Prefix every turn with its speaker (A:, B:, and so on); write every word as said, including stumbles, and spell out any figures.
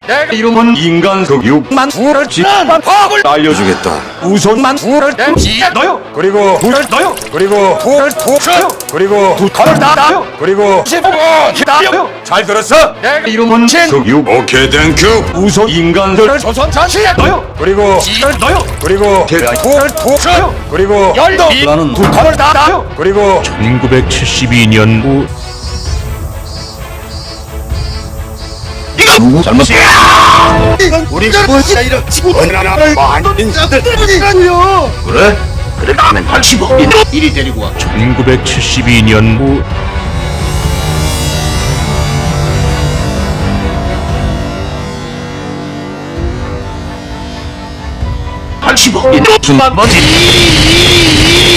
A: 내 이름은 인간 흑육만 불을 지난 법을 알려주겠다. 우선만 불을 땡지에 넣어요. 그리고 불을 넣어요. 그리고 불을 푹 켜요. 그리고 두 칼을 닫아요. 그리고 십오 번 기다려요. 잘 들었어? 내 이름은 흑육. 오케이 땡큐. 우선 인간들을 조선 잔치에 넣어요. 그리고 지를 넣어요. 그리고 계란 불을 푹 켜요. 그리고 열도 나는 두 칼을 닫아요. 그리고
B: 천구백칠십이 년 후
A: 누구 잘못이야? 우리가 뭐지 이런 원나라를 만든 자들 때문이라고요. 그래? 그래 나는 팔십오 이리 데리고 와.
B: 천구백칠십이 년 후
A: 팔십오 이 무슨 말 뭐지?